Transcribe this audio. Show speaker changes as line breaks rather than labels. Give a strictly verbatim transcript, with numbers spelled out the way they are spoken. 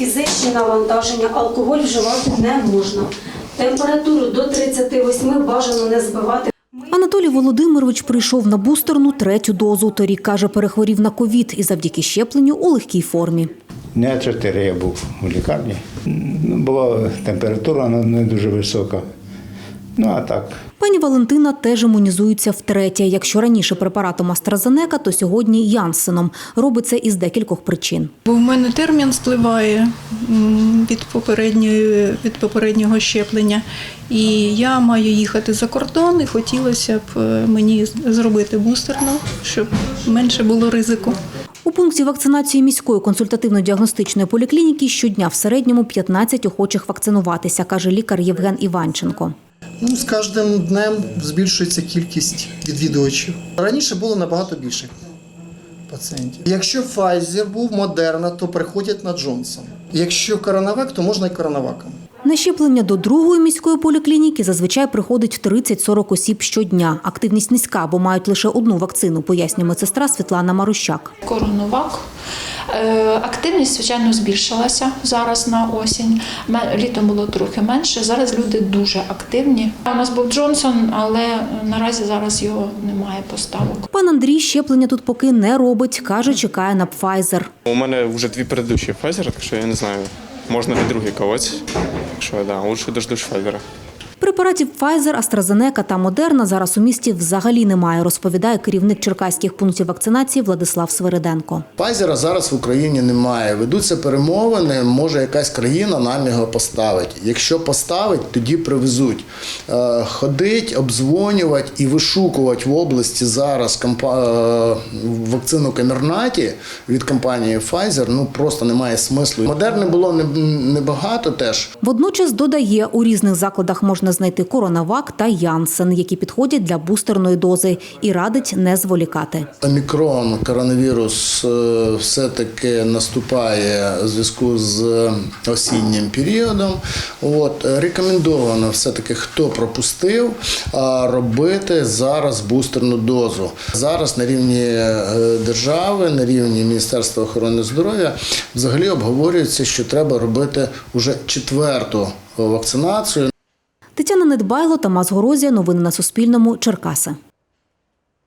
фізичні навантаження, алкоголь вживати не можна. Температуру до тридцяти восьми бажано не збивати.
Анатолій Володимирович прийшов на бустерну третю дозу. Торік, каже, перехворів на ковід і завдяки щепленню у легкій формі.
Дня чотири я був у лікарні. Була температура не дуже висока. Ну, а так.
Пані Валентина теж імунізується втретє. Якщо раніше препаратом AstraZeneca, то сьогодні Янссеном. Робить це із декількох причин.
Бо в мене термін спливає від попередньої, від попереднього щеплення. І я маю їхати за кордон, і хотілося б мені зробити бустерну, щоб менше було ризику.
У пункті вакцинації міської консультативно-діагностичної поліклініки щодня в середньому п'ятнадцять охочих вакцинуватися, каже лікар Євген Іванченко.
Ну, з кожним днем збільшується кількість відвідувачів. Раніше було набагато більше пацієнтів. Якщо Pfizer був, Moderna, то приходять на Джонсон. Якщо коронавак, то можна і коронаваком.
На щеплення до другої міської поліклініки зазвичай приходить тридцять-сорок осіб щодня. Активність низька, бо мають лише одну вакцину, пояснює медсестра Світлана Марущак.
Коронавак. Активність, звичайно, збільшилася зараз на осінь. Літом було трохи менше, зараз люди дуже активні. У нас був Джонсон, але наразі зараз його немає поставок.
Пан Андрій щеплення тут поки не робить, каже, чекає на Pfizer.
У мене вже дві передущі Pfizer, так що я не знаю, можна і другий когось, якщо да, лучше дождусь Pfizer.
Препаратів Pfizer, AstraZeneca та Moderna зараз у місті взагалі немає, розповідає керівник черкаських пунктів вакцинації Владислав Свириденко.
Pfizer зараз в Україні немає. Ведуться перемовини, може якась країна нам його поставить. Якщо поставить, тоді привезуть. Ходить, обдзвонювати і вишукувати в області зараз вакцину Камернаті від компанії Pfizer, ну просто немає смислу. Модерни було небагато теж.
Водночас додає, у різних закладах можна знайти коронавак та Янссен, які підходять для бустерної дози, і радить не зволікати.
Омікрон, коронавірус все-таки наступає у зв'язку з осіннім періодом. От, рекомендовано все-таки, хто пропустив, робити зараз бустерну дозу. Зараз на рівні держави, на рівні Міністерства охорони здоров'я взагалі обговорюється, що треба робити вже четверту вакцинацію.
Тетяна Недбайло, Тамас Горозія. Новини на Суспільному. Черкаси.